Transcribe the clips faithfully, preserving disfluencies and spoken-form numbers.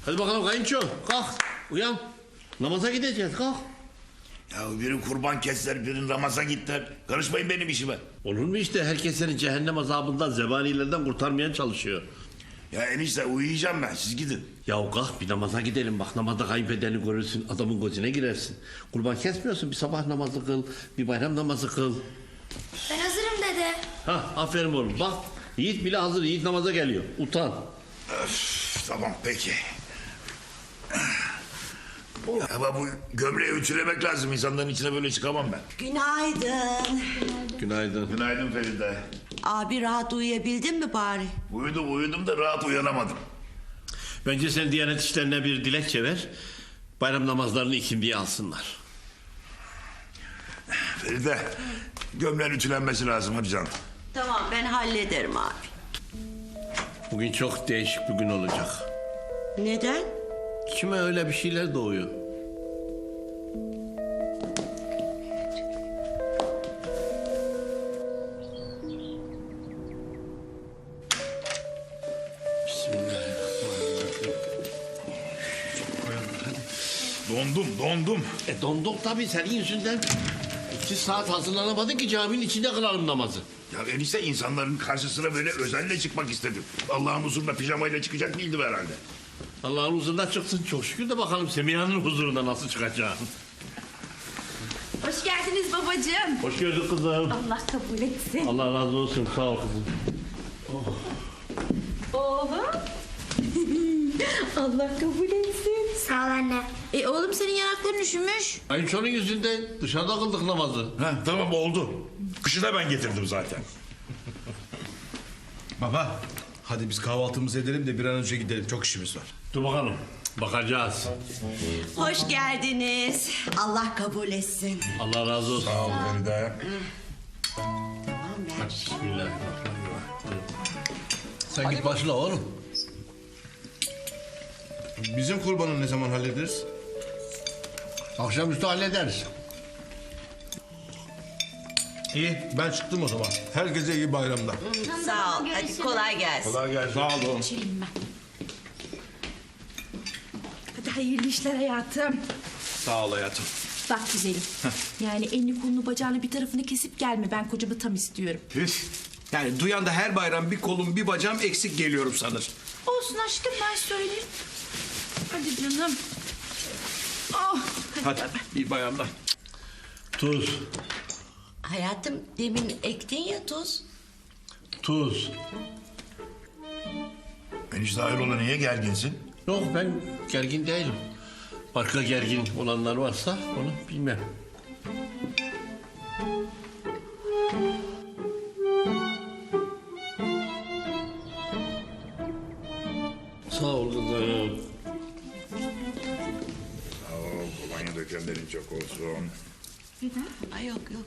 Hadi bakalım kayınço kalk uyan. Namaza gideceğiz kalk. Ya biri kurban kestiler, biri namaza gittiler. Karışmayın benim işime. Olur mu işte herkes seni cehennem azabından zebanilerden kurtarmaya çalışıyor. Ya enişte uyuyacağım ben, siz gidin. Ya kalk bir namaza gidelim bak namazda kayınpederini görürsün adamın gözüne girersin. Kurban kesmiyorsun bir sabah namazı kıl bir bayram namazı kıl. Ben hazırım dede. Ha aferin oğlum bak Yiğit bile hazır Yiğit namaza geliyor utan. Öf, tamam peki. Ama bu gömleği ütülemek lazım. İnsanların içine böyle çıkamam ben. Günaydın. Günaydın. Günaydın Feride. Abi rahat uyuyabildin mi bari? Uyudum uyudum da rahat uyanamadım. Bence sen Diyanet İşleri'ne bir dilekçe ver. Bayram namazlarını ikindiye alsınlar. Feride, gömleğin ütülenmesi lazım hadi canım. Tamam ben hallederim abi. Bugün çok değişik bir gün olacak. Neden? Kime öyle bir şeyler doğuyor. Bismillahirrahmanirrahim. Dondum dondum. E donduk tabii senin yüzünden. İki saat hazırlanamadın ki caminin içinde kılalım namazı. Ya enişte insanların karşısına böyle özelle çıkmak istedim. Allah'ın huzuruna pijamayla çıkacak değildim herhalde. Allah'ın huzuruna çıksın çok şükür de bakalım Semiha'nın huzuruna nasıl çıkacaksın. Hoş geldiniz babacığım. Hoş gördük kızım. Allah kabul etsin. Allah razı olsun sağ ol kızım. Oğlum. Allah kabul etsin. Sağ ol anne. E oğlum senin yanakların üşümüş. Kayınçonun yüzünden dışarıda kıldık namazı. Ha, tamam oldu. Kışı da ben getirdim zaten. Baba, hadi biz kahvaltımızı edelim de bir an önce gidelim. Çok işimiz var. Dur bakalım bakacağız. Hoş geldiniz. Allah kabul etsin. Allah razı olsun. Sağ ol Feride. Tamam ben. Bismillahirrahmanirrahim. Sen git başla oğlum. Bizim kurbanı ne zaman hallederiz? Akşamüstü hallederiz. İyi, ben çıktım o zaman. Herkese iyi bayramlar. Sağ ol. Hadi kolay gelsin. Kolay gelsin. Sağ olun. Geçelim ben. Hadi hayırlı işler hayatım. Sağ ol hayatım. Bak güzelim. Yani elini kolunu bacağını bir tarafını kesip gelme. Ben kocamı tam istiyorum. Üf. Yani duyan da her bayram bir kolum bir bacağım eksik geliyorum sanır. Olsun aşkım ben söyleyeyim. Hadi canım. Oh, hadi. Hadi iyi bayramlar. Tuz, Hayatım demin ektin ya tuz. tuz. Enişte hayrola niye gerginsin? Yok ben gergin değilim. Başka gergin olanlar varsa onu bilmem. Sağ ol kızım. Sağ ol, kolonya dökenlerin çok olsun. Ay yok yok.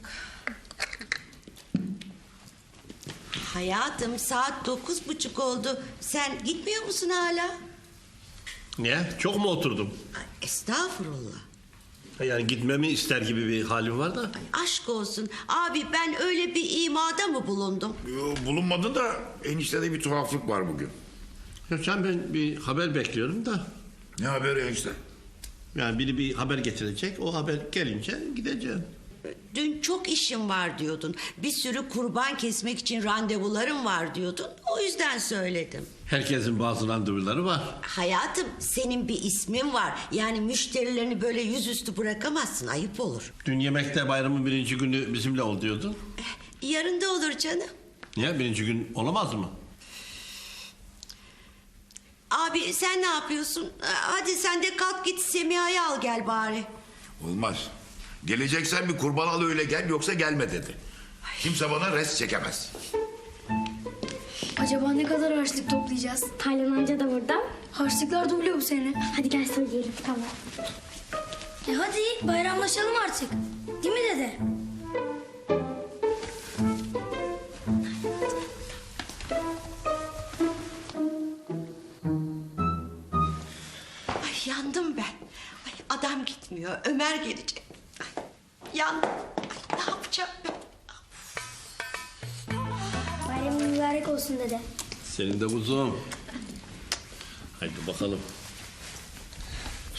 Hayatım saat dokuz buçuk oldu. Sen gitmiyor musun hala? Niye? Çok mu oturdum? Ay, estağfurullah. Yani gitmemi ister gibi bir halim var da. Ay, aşk olsun. Abi ben öyle bir imada mı bulundum? Yo, bulunmadı da eniştede bir tuhaflık var bugün. Yok sen ben bir haber bekliyorum da. Ne haberi enişte? Yani biri bir haber getirecek. O haber gelince gideceğim. Dün çok işim var diyordun. Bir sürü kurban kesmek için randevularım var diyordun. O yüzden söyledim. Herkesin bazı randevuları var. Hayatım senin bir ismin var. Yani müşterilerini böyle yüzüstü bırakamazsın. Ayıp olur. Dün yemekte bayramın birinci günü bizimle ol diyordun. Yarın da olur canım. Niye? Birinci gün olamaz mı? Abi sen ne yapıyorsun? Hadi sen de kalk git Semiha'yı al gel bari. Olmaz. Geleceksen bir kurban al öyle gel yoksa gelme dedi. Kimse bana rest çekemez. Acaba ne kadar harçlık toplayacağız? Taylan amca da burada. Harçlıklar duble bu sene. Hadi gel söyleyelim tamam. E hadi bayramlaşalım artık. Değil mi dede? Ay yandım ben. Ay adam gitmiyor. Ömer gelecek. Ay, yandım. Ay, ne yapacağım ben? Bayramın mübarek olsun dede. Senin de kuzum. Haydi bakalım.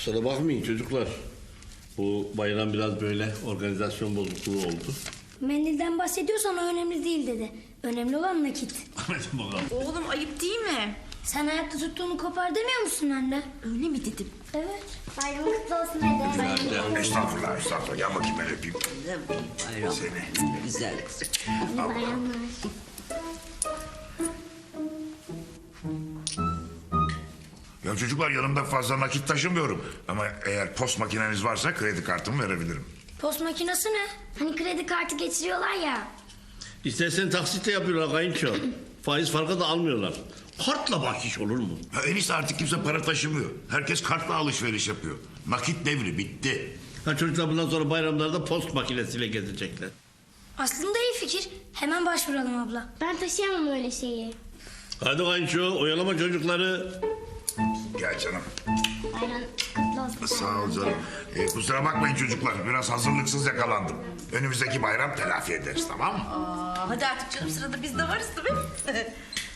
Kusura bakmayın çocuklar. Bu bayram biraz böyle organizasyon bozukluğu oldu. Mendilden bahsediyorsan o önemli değil dedi. Önemli olan nakit. Hadi bakalım. Oğlum ayıp değil mi? Sen ayakta tuttuğunu kopar demiyor musun anne? Öyle mi dedim? Evet. Bayramın kutlu olsun dede. Estağfurullah estağfurullah. Gel bakayım ben öpeyim. Bayram. Seni. Güzel kızım. İyi bayramlar. Ya çocuklar yanımda fazla nakit taşımıyorum. Ama eğer post makineniz varsa kredi kartımı verebilirim. Post makinesi ne? Hani kredi kartı geçiriyorlar ya. İstersen taksitle yapıyorlar kayınço. Faiz farkı da almıyorlar. Kartla bahşiş olur mu? Ya enişte artık kimse para taşımıyor. Herkes kartla alışveriş yapıyor. Nakit devri bitti. Ha çocuklar bundan sonra bayramlarda post makinesiyle gezecekler. Aslında iyi fikir. Hemen başvuralım abla. Ben taşıyamam öyle şeyi. Hadi kayınço oyalama çocukları. Gel canım. Bayram kutlu olsun. Sağ ol canım. Ee, kusura bakmayın çocuklar. Biraz hazırlıksız yakalandım. Önümüzdeki bayram telafi ederiz, tamam mı? Aa, hadi artık canım, sırada biz de varız değil mi?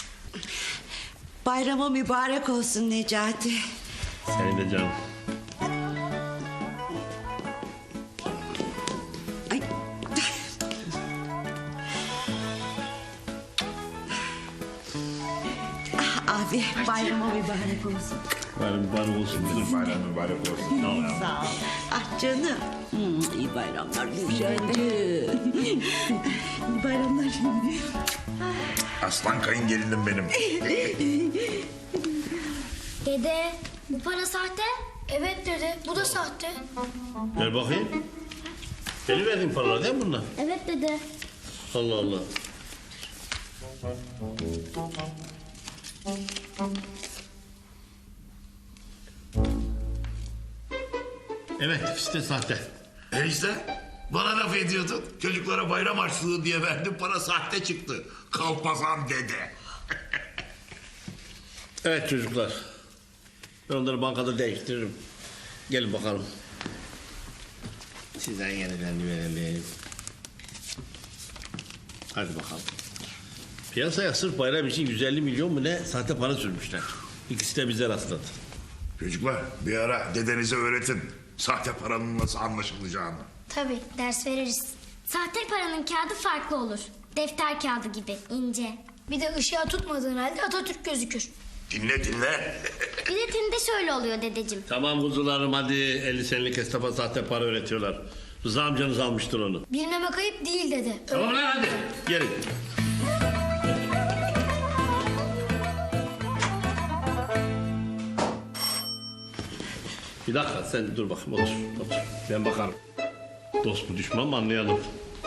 Bayrama mübarek olsun Necati. Senin de canım. Ay. Ah, abi bayrama mübarek olsun. Bayram mübarek olsun bizim. Bayram mübarek olsun. Sağ ol ya. Sağ ol. Ah canım. Hmm, iyi bayramlar Gülşen'cim. iyi bayramlar. Aslan kayıngelinim benim. Dede bu para sahte. Evet dede bu da sahte. Ver bakayım. Benim verdiğim paralar değil mi bunlar? Evet dede. Allah Allah. Evet, ikisi de sahte. Enişte bana laf ediyordun. Çocuklara bayram harçlığı diye verdim. Para sahte çıktı. Kalpazan dede. Evet çocuklar. Ben onları bankada değiştiririm. Gelin bakalım. Sizden yenilerini verelim. Hadi bakalım. Piyasaya sırf bayram için yüz elli milyon mu ne sahte para sürmüşler. İkisi de bize rastladı. Çocuklar bir ara dedenize öğretin. Sahte paranın nasıl anlaşılacağını. Tabii ders veririz. Sahte paranın kağıdı farklı olur. Defter kağıdı gibi ince. Bir de ışığa tutmadığın halde Atatürk gözükür. Dinle dinle. Bir de tinde şöyle oluyor dedeciğim. Tamam kuzularım hadi elli senelik esnafa sahte para öğretiyorlar. Rıza amcanız almıştır onu. Bilmemek ayıp değil dede. Tamam lan hadi gelin. Bir dakika sen dur bakayım otur, otur. Ben bakarım. Dost mu düşman mı anlayalım.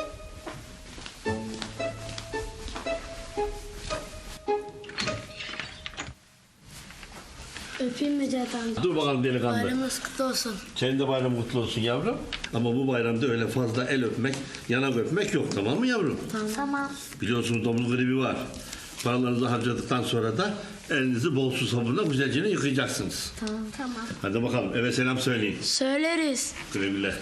Öpeyim mi Necati amca? Dur bakalım delikanlı. Bayramınız kutlu olsun. Senin de bayram kutlu olsun yavrum. Ama bu bayramda öyle fazla el öpmek, yanak öpmek yok tamam mı yavrum? Tamam. Biliyorsunuz domuz gribi var. Paralarınızı harcadıktan sonra da elinizi bol su sabunla güzelce yıkayacaksınız. Tamam. Tamam. Hadi bakalım eve selam söyleyin. Söyleriz. Güle güle.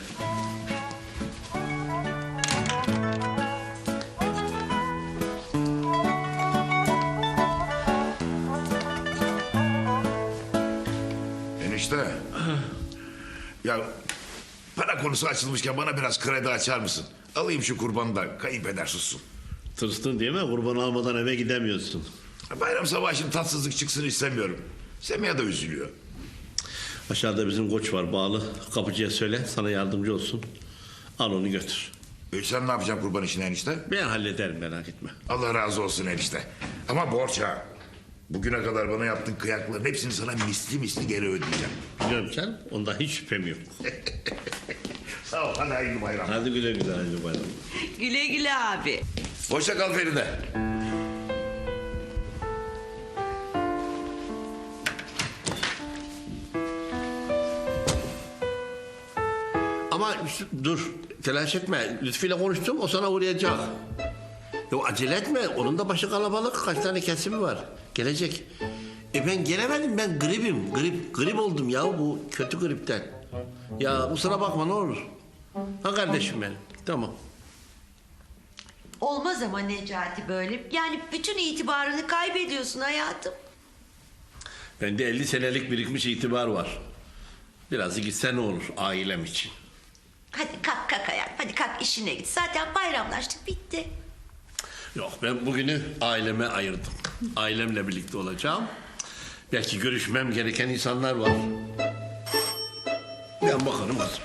Enişte. Ya para konusu açılmışken bana biraz kredi açar mısın? Alayım şu kurbanı da kayınpeder sussun. Tırstın değil mi? Kurban almadan eve gidemiyorsun. Bayram sabahı şimdi tatsızlık çıksın istemiyorum. Semih de üzülüyor. Aşağıda bizim koç var bağlı. Kapıcıya söyle sana yardımcı olsun. Al onu götür. E sen ne yapacaksın kurban işini enişte? Ben hallederim merak etme. Allah razı olsun enişte. Ama borç ha. Bugüne kadar bana yaptığın kıyakların hepsini sana misli misli geri ödeyeceğim. Biliyorum sen ondan hiç şüphem yok. Sağ ol hadi hayırlı bayram. Hadi güle güle hadi bayram. Güle güle abi. Hoşça kal Feride. Ama dur telaş etme. Lütfü'yle konuştum o sana uğrayacak. Yok acele etme onun da başı kalabalık kaç tane kesimi var. Gelecek. E ben gelemedim ben gripim grip grip oldum ya bu kötü gripten. Ya kusura bakma ne olur. Ha kardeşim benim tamam. Olmaz ama Necati böyle. Yani bütün itibarını kaybediyorsun hayatım. Bende elli senelik birikmiş itibar var. Biraz da gitse ne olur ailem için. Hadi kalk kalk hayal. Hadi kalk işine git. Zaten bayramlaştık bitti. Yok ben bugünü aileme ayırdım. Ailemle birlikte olacağım. Belki görüşmem gereken insanlar var. Ben bakarım kızım.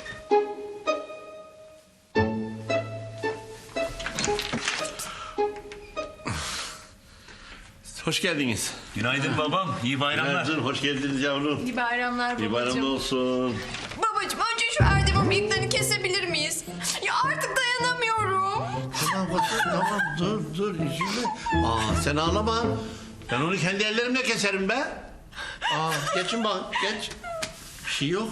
Hoş geldiniz. Günaydın babam. İyi bayramlar. Günaydın, hoş geldiniz yavrum. İyi bayramlar İyi bayramlar olsun. Babacığım önce şu Erdem'in bıyıklarını kesebilir miyiz? Ya artık dayanamıyorum. Tamam kızım, tamam dur dur üzülme. Aa sen ağlama. Ben onu kendi ellerimle keserim be. Aa geçin bak geç. Bir şey yok.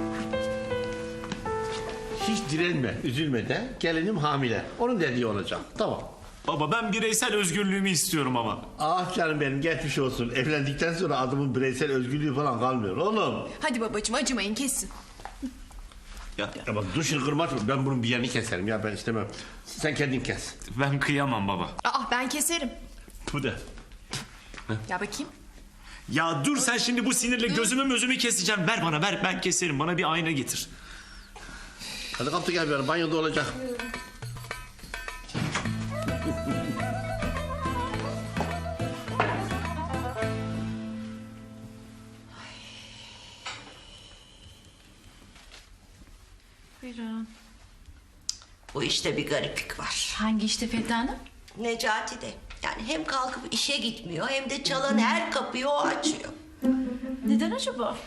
Hiç direnme, üzülme de. Gelinim hamile. Onun dediği olacak. Tamam. Baba ben bireysel özgürlüğümü istiyorum ama. Ah canım benim geçmiş olsun. Evlendikten sonra adamın bireysel özgürlüğü falan kalmıyor oğlum. Hadi babacığım acımayın kesin. Ya, Ya bak dur şimdi kırma. Ben bunun bir yerini keserim ya ben istemem. Sen kendin kes. ben kıyamam baba. Aa ben keserim. Bu da. Ya bakayım. Ya dur sen şimdi bu sinirle gözümü mözümü keseceğim. Ver bana ver ben keserim. Bana bir ayna getir. Hadi kaptı gel bir banyoda olacak. Buyurun. Bu işte bir gariplik var. Hangi işte Feride Hanım? Necati de. Yani hem kalkıp işe gitmiyor hem de çalan her kapıyı o açıyor. Neden acaba?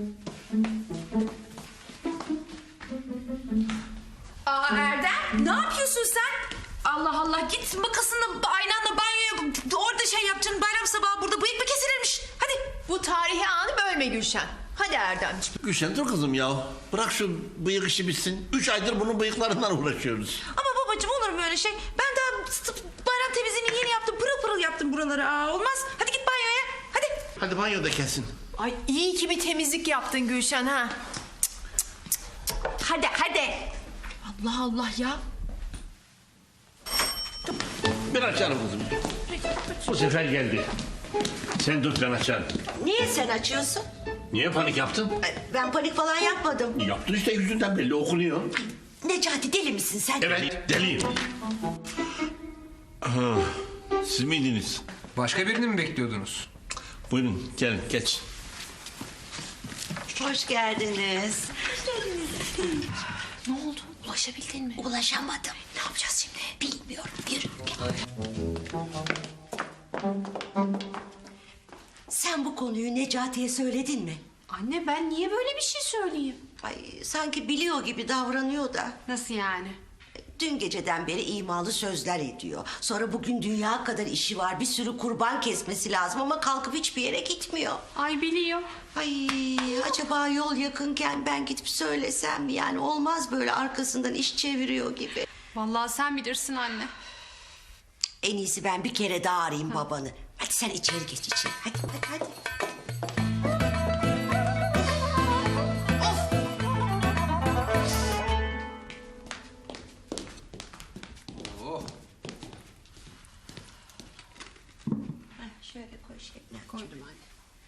Aa Erdem ne yapıyorsun sen? Allah Allah git makasınla aynanla banyoya orada şey yapacaksın bayram sabahı burada bıyık mı kesilirmiş? Hadi. Bu tarihi anı bölme Gülşen. Hadi Erdemciğim. Gülşen dur kızım ya. Bırak şu bıyık işi bitsin. Üç aydır bunun bıyıklarından uğraşıyoruz. Ama babacığım olur mu öyle şey? Ben daha s- bayram temizliğini yeni yaptım. Pırıl pırıl yaptım buraları. Aa, olmaz. Hadi git banyoya. Hadi. Hadi banyoda kesin. Ay iyi ki bir temizlik yaptın Gülşen ha. Hadi hadi. Allah Allah ya. Ben açarım kızım. Bu sefer geldi. Sen tut ben açarım. Niye sen açıyorsun? Niye panik yaptın? Ay, Ben panik falan yapmadım. Yaptın işte yüzünden belli okunuyor. Necati deli misin sen? Evet deliyim. Ha, siz miydiniz? Başka birini mi bekliyordunuz? Buyurun gelin geç. Hoş geldiniz. Ne oldu? Ulaşabildin mi? Ulaşamadım. Ne yapacağız şimdi? Bilmiyorum. Yürü. Sen bu konuyu Necati'ye söyledin mi? Anne ben niye böyle bir şey söyleyeyim? Ay sanki biliyor gibi davranıyor da. Nasıl yani? Dün geceden beri imalı sözler ediyor. Sonra bugün dünya kadar işi var. Bir sürü kurban kesmesi lazım ama kalkıp hiçbir yere gitmiyor. Ay biliyor. Ay acaba yol yakınken ben gidip söylesem mi? Yani olmaz böyle arkasından iş çeviriyor gibi. Vallahi sen bilirsin anne. En iyisi ben bir kere daha arayayım babanı. Hadi sen içeri geç içeri. Hadi hadi hadi. Heh, şöyle koy Şebnem. Koydum anne.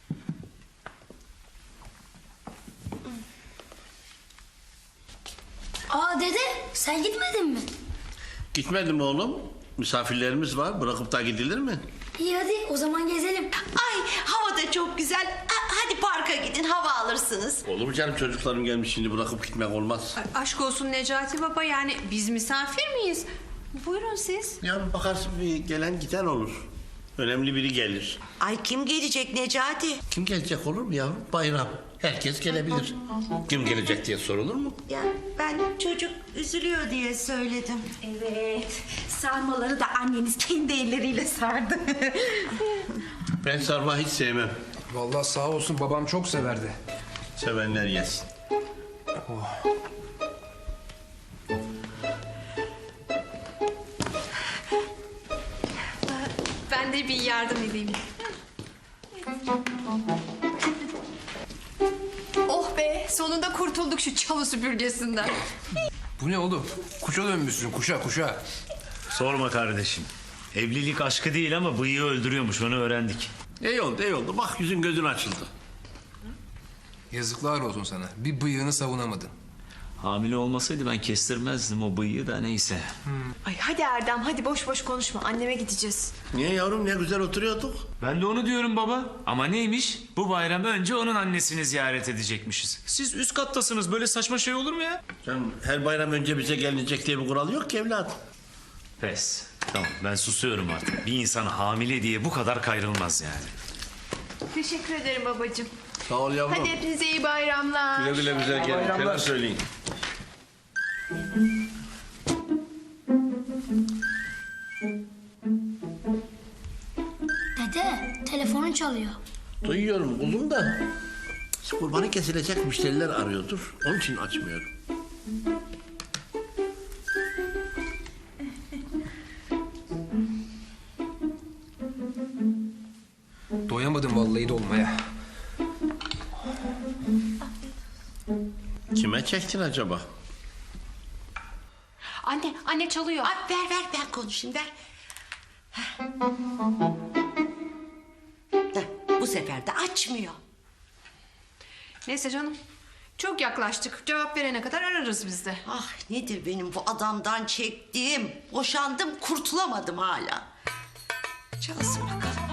Aa dede sen gitmedin mi? Gitmedim oğlum. Misafirlerimiz var. Bırakıp da gidilir mi? İyi hadi o zaman gezelim. Ay hava da çok güzel. Ha- Hadi parka gidin hava alırsınız. Olur mu canım çocuklarım gelmiş şimdi bırakıp gitmek olmaz. Aşk olsun Necati baba. Yani biz misafir miyiz? Buyurun siz. Ya bakarsın bir gelen giden olur. Önemli biri gelir. Ay kim gelecek Necati? Kim gelecek olur mu yavrum? Bayram. Herkes gelebilir. Kim gelecek diye sorulur mu? Ya ben çocuk üzülüyor diye söyledim. Evet. Sarmaları da anneniz kendi elleriyle sardı. Ben sarma hiç sevmem. Vallahi sağ olsun babam çok severdi. Sevenler yesin. Ben de bir yardım edeyim. Oh be sonunda kurtulduk şu çalı süpürgesinden. Bu ne oğlum? Kuşa dönmüşsün kuşa kuşa. Sorma kardeşim. Evlilik aşkı değil ama bıyığı öldürüyormuş onu öğrendik. İyi oldu iyi oldu. Bak yüzün gözün açıldı. Yazıklar olsun sana. Bir bıyığını savunamadın. Hamile olmasaydı ben kestirmezdim o bıyığı da neyse. Ay hadi Erdem hadi boş boş konuşma. Anneme gideceğiz. Niye yavrum, ne güzel oturuyorduk. Ben de onu diyorum baba. Ama neymiş? Bu bayram önce onun annesini ziyaret edecekmişiz. Siz üst kattasınız. Böyle saçma şey olur mu ya? Canım, her bayram önce bize gelinecek diye bir kural yok ki evladım. Pes. Tamam ben susuyorum artık. Bir insan hamile diye bu kadar kayrılmaz yani. Teşekkür ederim babacığım. Sağ ol yavrum. Hadi hepinize iyi bayramlar. Güle güle bize gelin. Selam söyleyin. Dede telefonun çalıyor. Duyuyorum kuzum da. Kurbanı kesilecek müşteriler arıyordur. Onun için açmıyorum. Doyamadım vallahi dolmaya. Kime çektin acaba? Anne anne çalıyor. Ay, ver ver ben konuşayım ver. Heh. Heh, bu sefer de açmıyor. Neyse canım. Çok yaklaştık. Cevap verene kadar ararız biz de. Ah nedir benim bu adamdan çektiğim? Boşandım kurtulamadım hala. Çalsın bakalım.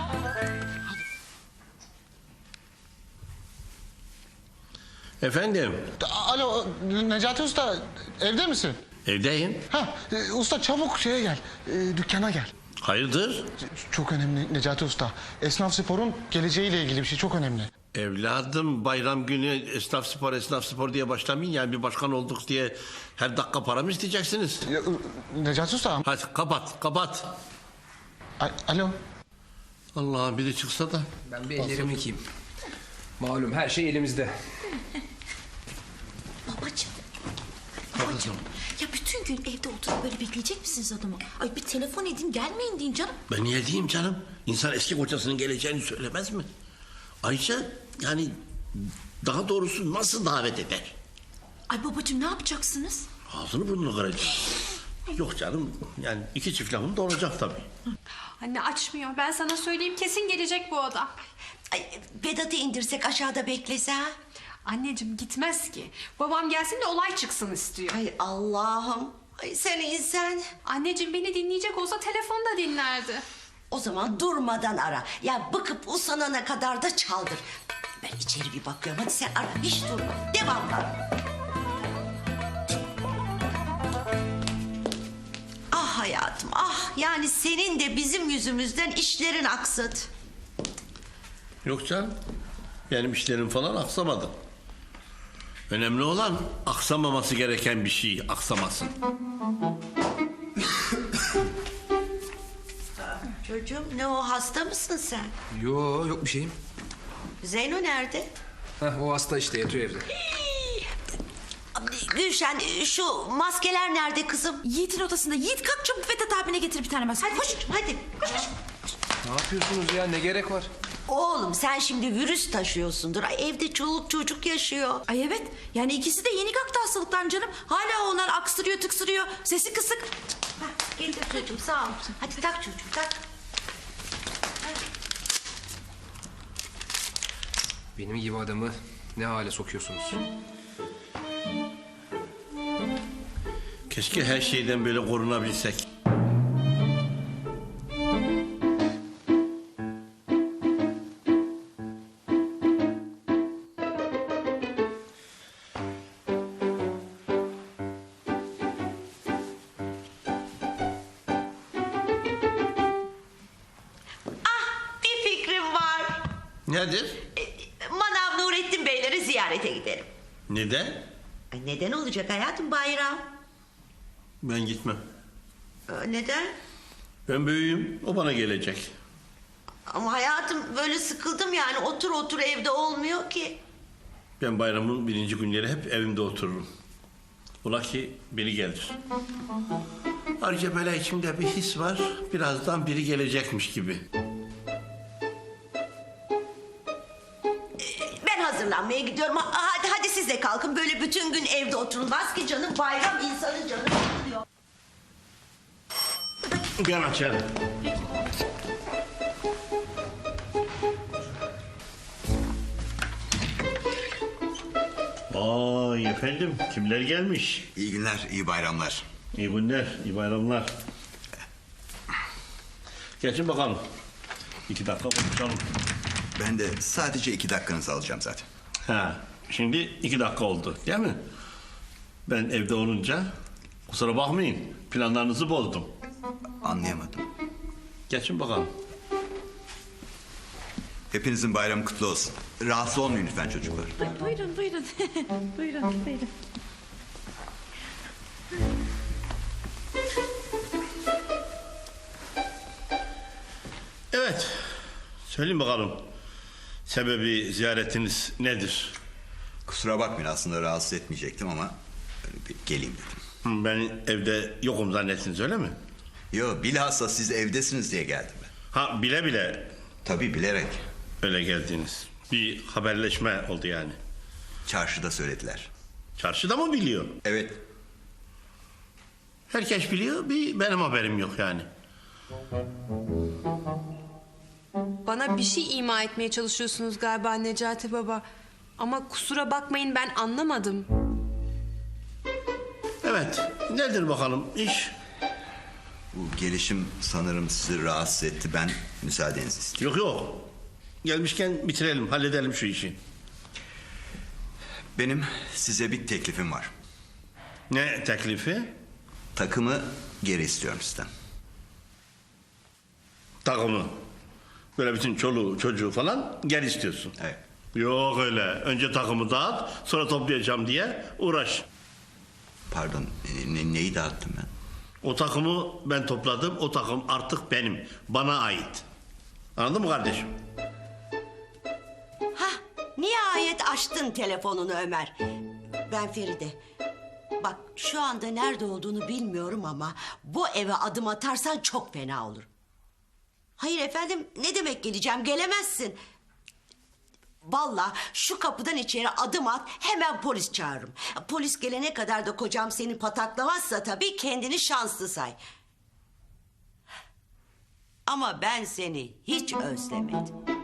Efendim, Alo Necati Usta evde misin? evdeyim. Ha e, usta çabuk şeye gel e, dükkana gel. Hayırdır? Çok önemli Necati Usta. Esnaf sporun geleceğiyle ilgili bir şey çok önemli. Evladım, bayram günü esnaf spor esnaf spor diye başlamayın. Yani bir başkan olduk diye her dakika para mı isteyeceksiniz? Ya, e, Necati Usta. Hadi kapat kapat. A- Alo. Allah, biri çıksa da. Ben bir ellerimi yıkayayım. Malum her şey elimizde. Babacığım. Babacığım. Ya bütün gün evde oturup böyle bekleyecek misiniz adamı? Ay bir telefon edin gelmeyin deyin canım. Ben niye diyeyim canım? İnsan eski kocasının geleceğini söylemez mi? Ayrıca yani daha doğrusu nasıl davet eder? Ay babacığım ne yapacaksınız? Ağzını burnunu kıracak. Yok canım, yani iki çift lafım da olacak tabii. Anne açmıyor. Ben sana söyleyeyim kesin gelecek bu adam. Ay, Vedat'ı indirsek aşağıda beklese ha? Anneciğim gitmez ki. Babam gelsin de olay çıksın istiyor. Ay Allah'ım. Ay sen insan. Anneciğim beni dinleyecek olsa telefonda dinlerdi. O zaman durmadan ara. Ya bıkıp usanana kadar da çaldır. Ben içeri bir bakıyorum. Hadi sen ara. Hiç durma. Devamlı ara. Ah hayatım ah. Yani senin de bizim yüzümüzden işlerin aksadı. Yok canım, benim işlerim falan aksamadı. Önemli olan aksamaması gereken bir şey aksamasın. Çocuğum ne o hasta mısın sen? Yo yok bir şeyim. Zeyno nerede? Heh, o hasta işte yatıyor evde. Gülşen şu maskeler nerede kızım? Yiğit'in odasında. Yiğit kalk çabuk Vedat abine getir bir tane maske. Hadi koş hadi. Koş, koş. Ne yapıyorsunuz ya ne gerek var? Oğlum sen şimdi virüs taşıyorsundur. Ay, evde çoluk çocuk yaşıyor. Ay evet. Yani ikisi de yeni kalktı hastalıktan canım. Hala onlar aksırıyor tıksırıyor. Sesi kısık. Hah, getir çocuğum sağ ol. Hadi tak çocuğum tak. Benim gibi adamı ne hale sokuyorsunuz? Keşke her şeyden böyle korunabilsek. Ah bir fikrim var. Nedir? E, Manav Nurettin Beyleri ziyarete gidelim. Neden? Ay, neden olacak hayatım bayram? Ben gitmem. Ee, neden? Ben büyüğüm, o bana gelecek. Ama hayatım böyle sıkıldım yani otur otur evde olmuyor ki. Ben bayramın birinci günleri hep evimde otururum. Ola ki biri gelir. Ayrıca böyle içimde bir his var. Birazdan biri gelecekmiş gibi. Ben hazırlanmaya gidiyorum. Ha- Hadi hadi siz de kalkın. Böyle bütün gün evde oturulmaz ki canım. Bayram insanın canı sıkılıyor. Ben açarım. Vay efendim, kimler gelmiş? İyi günler, iyi bayramlar. İyi günler, iyi bayramlar. Geçin bakalım. İki dakika konuşalım. Ben de sadece iki dakikanızı alacağım zaten. Ha, şimdi iki dakika oldu değil mi? Ben evde olunca kusura bakmayın, planlarınızı bozdum. Anlayamadım. Geçin bakalım. Hepinizin bayramı kutlu olsun. Rahatsız olmayın lütfen çocuklar. Buyurun buyurun. buyurun buyurun. Evet, söyleyin bakalım. Sebebi ziyaretiniz nedir? Kusura bakmayın, aslında rahatsız etmeyecektim ama böyle bir geleyim dedim. Hı, ben evde yokum zannettiniz öyle mi? Yo, bilhassa siz evdesiniz diye geldim ben. Ha, bile bile Tabii bilerek. öyle geldiniz. Bir haberleşme oldu yani. Çarşıda söylediler. Çarşıda mı biliyor? Evet. Herkes biliyor, bir benim haberim yok yani. Bana bir şey ima etmeye çalışıyorsunuz galiba Necati Baba. Ama kusura bakmayın ben anlamadım. Evet, nedir bakalım iş? Bu gelişim sanırım sizi rahatsız etti. Ben müsaadenizi istiyorum. Yok yok. Gelmişken bitirelim, halledelim şu işi. Benim size bir teklifim var. Ne teklifi? Takımı geri istiyorum sizden. Takımı. Böyle bütün çoluğu çocuğu falan gel istiyorsun. Evet. Yok öyle. Önce takımı dağıt, sonra toplayacağım diye uğraş. Pardon, ne, neyi dağıttım ben? O takımı ben topladım, o takım artık benim. Bana ait. Anladın mı kardeşim? Hah, nihayet açtın telefonunu Ömer. Ben Feride. Bak şu anda nerede olduğunu bilmiyorum ama bu eve adım atarsan çok fena olur. Hayır efendim, ne demek geleceğim, gelemezsin. Vallahi şu kapıdan içeri adım at, hemen polis çağırırım. Polis gelene kadar da kocam seni pataklamazsa tabii kendini şanslı say. Ama ben seni hiç özlemedim.